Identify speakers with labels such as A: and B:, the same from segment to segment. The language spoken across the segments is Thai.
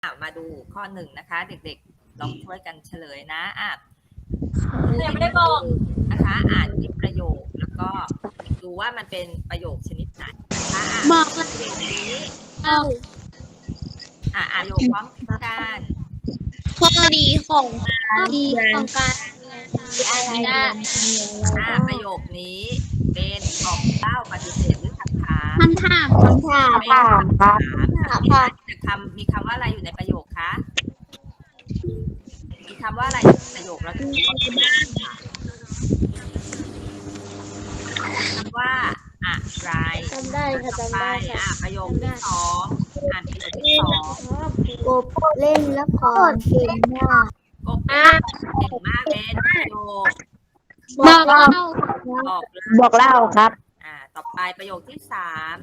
A: มาดูข้อหนึ่งนะคะเด็กๆลองช่วยกันเฉลยนะ
B: ยังไม่ได้บอก
A: นะคะอ่านที่ประโยคแล้วก็ดูว่ามันเป็นประโยคชนิดไหนนะคะ
B: บอก
A: ประโยคนี้
B: เอา
A: ประโยคพร้อมกัน
B: ข้อดีของการเรียนอะไรได้
A: ประโยคนี้เป็นบอกเล่าปฏิเสธหรือคำถาม
B: คำถาม
A: เป็นคำถามมีคำว่าอะไรอยู่ในประโยคคะมีคำว่าอะไรอยู่ในประโยคแล้วถึงว่าประโยคคำว่าอะไร
B: จำได้ค่ะจำได้ค่ะ
A: ประโยคที่สองอ่านประโยคที่สอง
C: กบเล่นละครเก่งมาก
A: กบเก่งมากเป็นประโยค
B: บอกเล่า
C: บอกเล่าครับ
A: ต่อไปประโยคที่สาม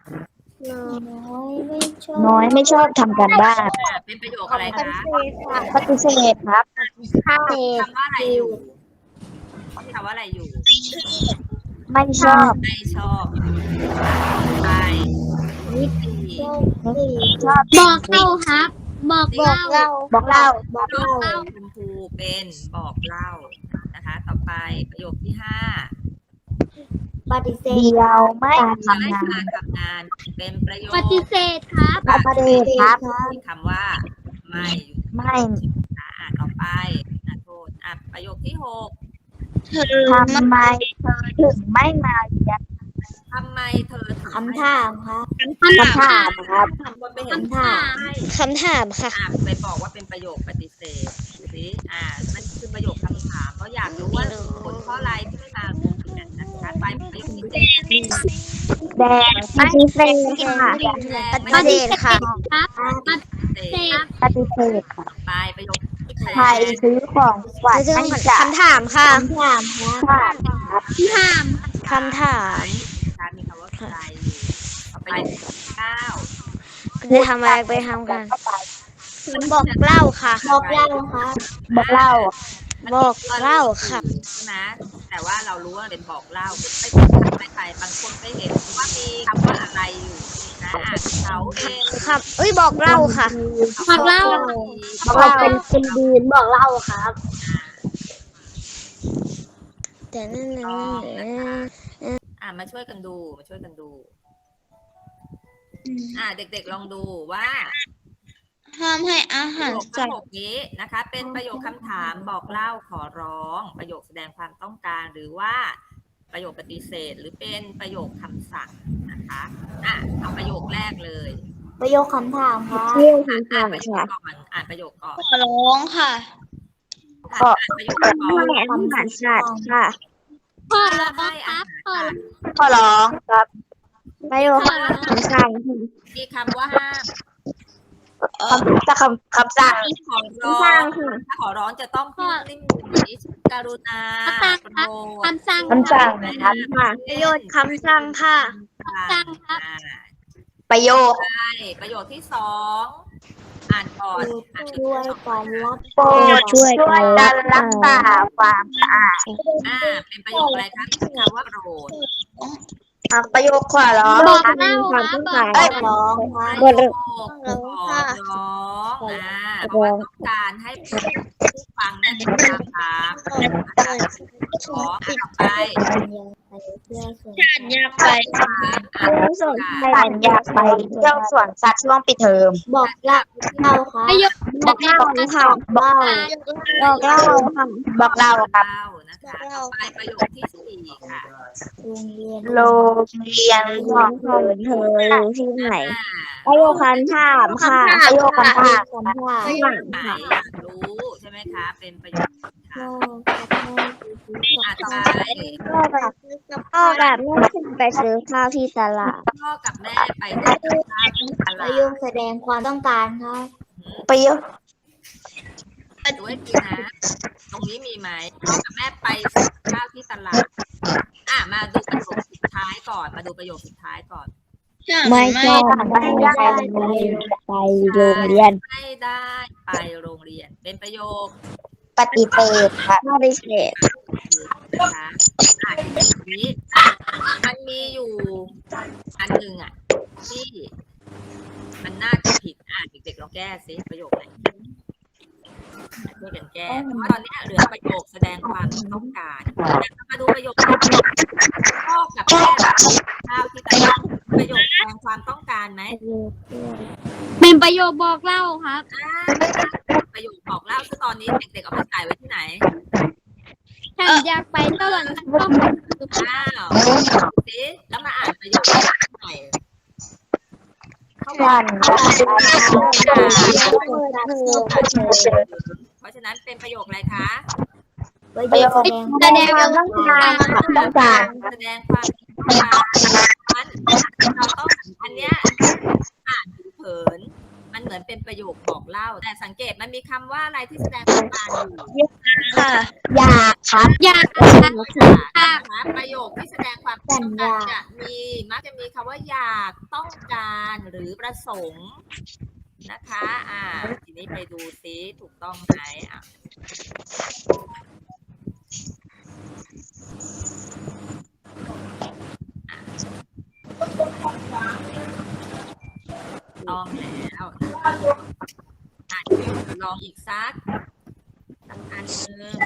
C: น้อยไม่ชอบทำการบ้าน
A: เป็นประโยคอะไรคะ
C: ปฏิเสธครับ
A: คำว่าอะไรอยู่คำว่าอะไรอยู่
C: ไม่ชอบ
A: ไม่ชอบไป
C: นิดชอบ
B: บอกเล่าครับ บอกเล่า
C: บอกเล่า
A: คุณครูเป็นบอกเล่านะคะต่อไปประโยคที่ห้า
C: ปฏิเสธเดียวไม่ทำ
A: งานเป็นประโยค
B: ปฏิเสธครับ
C: ปฏิเสธครับ
A: มีคำว่าไม่ต่อไปโทษประโยคที่หก
C: ทำไมเธอถึงไม่มาเรียน
A: ทำไมเธอถึง
C: คำถามครับ
B: คำถาม
C: ครับ
A: คนไปเห็นคำถ
C: ามค่ะ
A: ไปบอกว่าเป็นประโยคปฏิเสธสิมันคือประโยคคำถามเพราะอยากรู้ว่าผลข้ออะไรที่ไม่มาโรงเรียนนะคะไปประโยคที่เจ็ด
C: แดงปฏิเสธค่ะปฏิเสธค่ะปฏิเสธค่ะ
A: ไปประโยค
C: ใครซื้อของขวัญให้จะ
B: คำถามค่ะ
C: คำถามค่ะ
B: คำถาม
A: มีคำว่าใครไปเก้า
B: จะทำอะไรไปทำกันบอกเล่าค่ะ
C: บอกเล่าค่ะบอกเล่า
A: ค่ะนะแต่ว่าเรารู้ว่าเป็นบอกเล่าไปบางคนไปเห็นว่ามีคำว่าอะไรอยู่นะเขาเอง
B: บอกเล่าค่ะบอกเล่า
C: เป็นดีนบอกเล่าครับ
B: แต่นั่น
A: มาช่วยกันดูเด็กๆลองดูว่า
B: ห้ามให้อาหาร
A: สัตว์นี้นะคะเป็นประโยคคำถามบอกเล่าขอร้องประโยคแสดงความต้องการหรือว่าประโยคปฏิเสธหรือเป็นประโยคคำสั่งนะคะเอาประโยคแรกเลย
C: ประโยคคำถามค่ะ
A: อ่านประโยคก่อน
B: ขอร้องค่ะ
A: ประโยคก่อน
C: คำสั่งค่ะ
B: ขอร้องครับ
C: ขอร้องครับประโยคคำสั่ง
A: มีคำว่าห้าม
C: คำสั่ง
A: ขอร้องถ้าขอร้องจะต้องพูดนิ่งกรุณา
B: คำสั่ง
C: ครับ
B: ประโยชน์คำสั่งค่ะ
C: ประโยค
A: ที่สองอ่านก่อน
C: ช่วยกันรักษาความสะอาด
A: เป็นประโยคอะไรคะคำว่าโกรธ
C: ประโยคขอร้อง
B: บอกเล่าครับ
C: บอกร้อง
A: เพราะว่าต้องการให้ผู้ฟังได้ตามขอไป
B: ฉันอยากไป
C: เที่ยวสวนสัตว์ช่วงปิดเทอมบอกเล่าค่ะ
B: บอกเล่า
C: ค่ะบอกเล่าค่ะบอกเล่าค่ะ
A: นะคะไปประโยคที่สี่ค่ะ
C: โรงเรียนของเธอที่ไหนประโยคคำถามค่ะประโยคคำถาม
A: อยากรู้ใช่ไหมคะเป็นประโยคถามต่อไป
C: พ่อกับแม่ไปซื้อข้าวที่ตลาด
A: พ่อกับแม่ไปซื้อข้าวที่ตลาด
C: ประโยคแสดงความต้องการครับประโยค
A: ดูให้ดีนะตรงนี้มีไหมพ่อกับแม่ไปซื้อข้าวที่ตลาดมาดูประโยคสุดท้ายก่อนไม่ได้ไปโรงเรียนไม่ได้ไปโรงเรียนเป็นประโยค
C: ปฏิเสธค่ะปฏิเสธ
A: นะคะนี้มันมีอยู่อันหนึ่งที่มันน่าจะผิดเด็กๆลองแก้สิประโยคไหนช่วยกันแก้เพราะตอนนี้เหลือประโยคแสดงความต้องการมาดูประโยคพ่อกับแม่ข้าวที่ตลาดประโยคแสดงความต้องการไหม
B: เป็นประโยคบอกเล่าครับ
A: ประโยคบอกเล่าคือตอนนี้เด็กๆเอาไปใส่ไว้ที่ไหน
B: ฉันอยากไปสวรรค์ก็
A: อ้าวสิแล้วมาอ่านประโยคใหม่เขาบอก เพราะฉะนั้นเป็นประโยคอะไรคะ
C: ประโยคแสดงความต้องการต้องการ
A: แสดงความต้องการเราต้องอันเนี้ยอ่านเผินมันเหมือนเป็นประโยคบอกเล่า แต่สังเกตมันมีคำว่าอะไรที่แสดงความต้องการอยู่
C: ค่ะอยากครับ
B: อยาก
A: นะคะประโยคที่แสดงความต้องการจะมักจะมีคำว่าอยากต้องการหรือประสงค์นะคะทีนี้ไปดูซิถูกต้องไหมต้องแล้วลองอีกสักอันนึง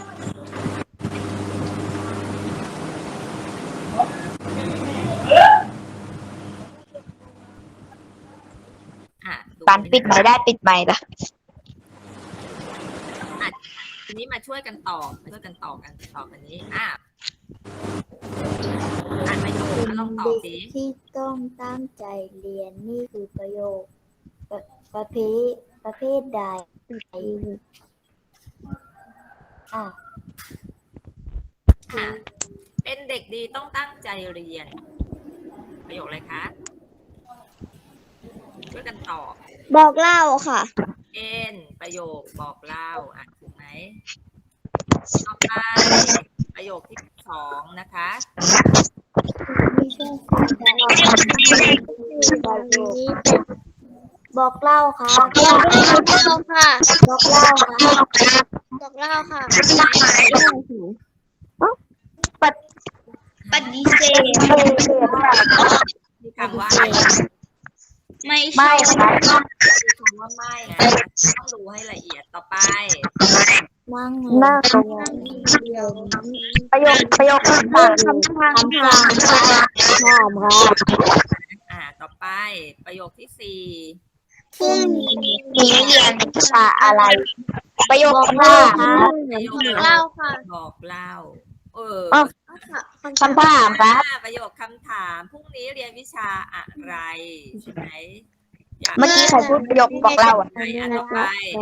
C: ปันปิดไมค์ได้ปิดไมค์ละ
A: ทีนี้มาช่วยกันตอบกันตอบอันนี้อ่านประโยคแล้วลองตอบสิ
D: ที่ต้องตั้งใจเรียนนี่คือประโยคประเภทใด
A: เป็นเด็กดีต้องตั้งใจเรียนประโยคอะไรคะช่วยกันตอบ
C: บอกเล่าค่ะ
A: เป็นประโยคบอกเล่าถูกไหมต่อไปประโยคที่2นะคะ
D: บอกเล่าค่ะ
B: บอกเล่าค่ะ
D: บอกเล่าค่ะ
B: บอกเล่าค่ะ
C: ปฏิเสธ
A: มีคำว่าอะไร
B: ไม่
C: ไม่ครับ
A: มีคำว่าไม่นะต้องดูให้ละเอียดต่อไป
D: นั่ง
C: นั่งประโยคคำถามครับ
A: ต่อไปประโยคที่4
C: พรุ่งนี้เรียนวิชาอะไร ประโยคคำถาม
A: ประโยค
B: เล่าค่ะ
A: บอกเล่า
C: คำถามครับ
A: ประโยคคำถามพรุ่งนี้เรียนวิชาอะไรใช่ไหม
C: เมื่อกี้ใครพูดประโยคบอกเล่าอ่ะ
A: ต่อไป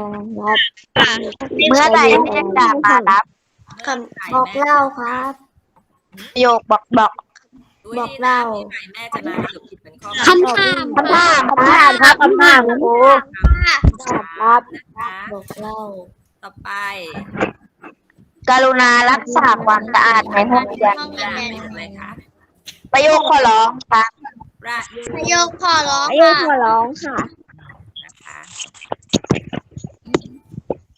C: เมื่อใดแม่จะมารับ
D: บอกเล่าครับ
C: ประโยคบอก
A: บอกเล่าแม่จะมาสรุปผิดเป็นข้อ
B: คำถาม
C: คำถามครับคำถามครู
A: ครับนะคะ
D: บอกเล่า
A: ต่อไป
C: กรุณารักษาความสะอาดในห้องเรียน
A: เป็นอะไรคะ
C: ประโยคขอร้องครับ
A: ประ
B: ประโยคขอร้อง
C: ประโยค
B: ค่ะ
C: ขอร้องค่ะ